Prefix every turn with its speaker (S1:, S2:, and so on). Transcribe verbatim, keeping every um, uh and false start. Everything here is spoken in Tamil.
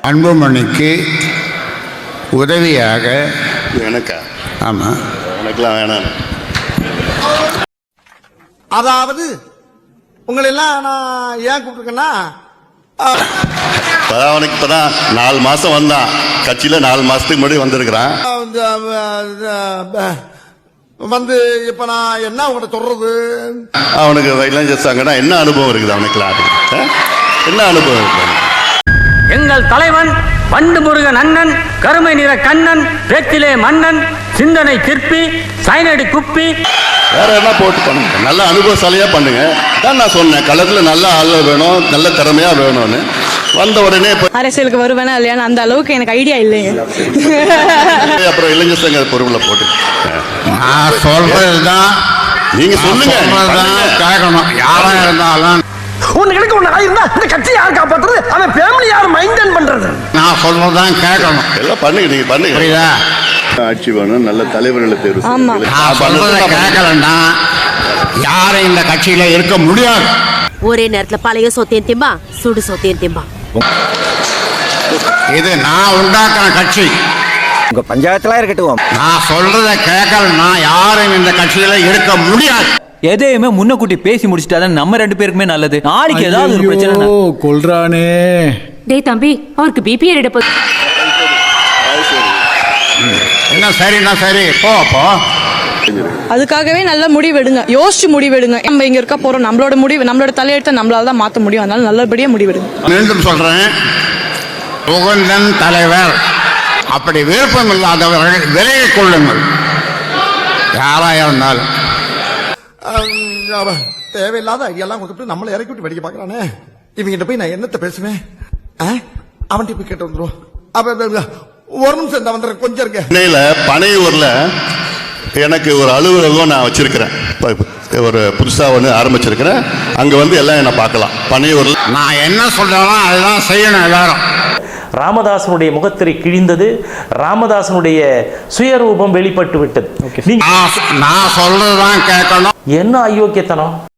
S1: அன்புமணிக்கு உதவியாக
S2: எனக்கா?
S1: ஆமாம்,
S2: எனக்கெல்லாம் வேணாம்.
S3: அதாவது உங்களை எல்லாம் நான் ஏன் கூப்பிட்டுருக்கேன்னா,
S2: அவனுக்கு இப்பதான் நாலு மாசம் வந்தான் கட்சியில, நாலு மாசத்துக்கு முன்னாடி வந்திருக்கிறான்.
S3: வந்து இப்ப நான் என்ன உங்கள்கிட்ட சொல்றது,
S2: அவனுக்கு இளைஞர் சங்கம்னா என்ன அனுபவம் இருக்குது அவனுக்குலாம்? என்ன அனுபவம் இருக்கு?
S4: எங்கள் தலைவன் வண்டு முருகன் அண்ணன், கருமை நிற கண்ணன், பேச்சிலே மன்னன், சிந்தனை சிற்பி, சைனடி குப்பி,
S2: வேற என்ன போட்டு பண்ணுங்க, நல்ல அனுபவசாலியா பண்ணுங்க. தான் நான் சொன்னேன், களத்துல நல்ல ஆள் வேணும், நல்ல திறமையா வேணும்னு. வந்த உடனே
S5: அரசியலுக்கு வருவேனா இல்லையான்னு அந்த அளவுக்கு எனக்கு ஐடியா இல்லைங்க.
S2: அப்புறம் இளைஞர் சங்க பொறுப்புல போட்டு
S1: நான் சொல்றதுதான்
S2: நீங்க சொல்லுங்க,
S1: கேட்கணும். யாரா இருந்தாலும்
S3: உனக்கு ஒண்ணு ஆயிருந்தா இந்த கட்சி யார் காப்பாற்றுறது, அவன் ஃபேமிலி யார் மெயின்டைன் பண்றது,
S1: நான் சொல்றதுதான் கேட்கணும்.
S2: எல்லாம் பண்ணுங்க, நீங்க பண்ணுங்க.
S1: புரியுதா?
S2: ஆட்சி வேணும், நல்ல தலைவர்களை தேர்வு செய்யுங்க.
S1: நான் சொல்றதை கேட்கலன்னா யாரும் இந்த கட்சியில இருக்க முடியாது.
S6: ஒரே நேரத்துல பழைய சொத்தையும் திம்பா, சுடு சொத்தையும் திம்பா.
S1: இது நான் உண்டாக்குற கட்சி.
S7: உங்க பஞ்சாயத்துல இருக்கட்டும்.
S1: நான் சொல்றதை கேட்கலன்னா யாரும் இந்த கட்சியில இருக்க முடியாது.
S8: எதையுமே முன்னக்கூட்டி பேசி முடிச்சிட்டாதான் நம்ம ரெண்டு பேருக்குமே நல்லது. நாளைக்கு ஏதாவது ஒரு பிரச்சனை
S9: கொல்றானே.
S6: டேய் தம்பி, அவருக்கு பிபி எடுப்ப.
S1: என்ன சரின்னா சரி, போ போ.
S5: அதுக்காகவே நல்ல முடிவெடுங்க, யோசிச்சு முடிவெடுங்க. நம்ம இங்க இருக்க போறோம், நம்மளோட முடிவு, நம்மளோட தலையெழுத்தை நம்மளால தான் மாற்ற முடியும். அதனால நல்லபடியா முடிவெடுங்க.
S1: மீண்டும் சொல்றேன், புகழ்ந்தன் தலைவர். அப்படி விருப்பம் இல்லாதவர்கள் விலகிக் கொள்ளுங்கள், யாரா இருந்தாலும்.
S3: தேவையில்லாத ஐடியெல்லாம் கொடுத்துட்டு நம்மளை இறக்கி விட்டு வெடிக்க பாக்குறானே. இவங்கிட்ட போய் நான் என்னத்த பேசுவேன்? அவன்கிட்ட போய் கேட்டு வந்துருவோம். அப்ப ஒரு நிமிஷம் இந்த வந்துடுறேன், கொஞ்சம் இருக்க.
S2: சென்னையில பனையூர்ல எனக்கு ஒரு அலுவலகம் நான் வச்சிருக்கிறேன், ஒரு புதுசா ஒன்று ஆரம்பிச்சிருக்கிறேன். அங்க வந்து எல்லாம் என்ன பார்க்கலாம். பனையூர்ல
S1: நான் என்ன சொல்றேனோ அதுதான் செய்யணும் எல்லாரும்.
S10: ராமதாசனுடைய முகத்திரை கிழிந்தது, ராமதாசனுடைய சுயரூபம் வெளிப்பட்டு விட்டது.
S1: நான் சொல்றதுதான் கேட்கணும்.
S10: என்ன அயோக்கியத்தனம்!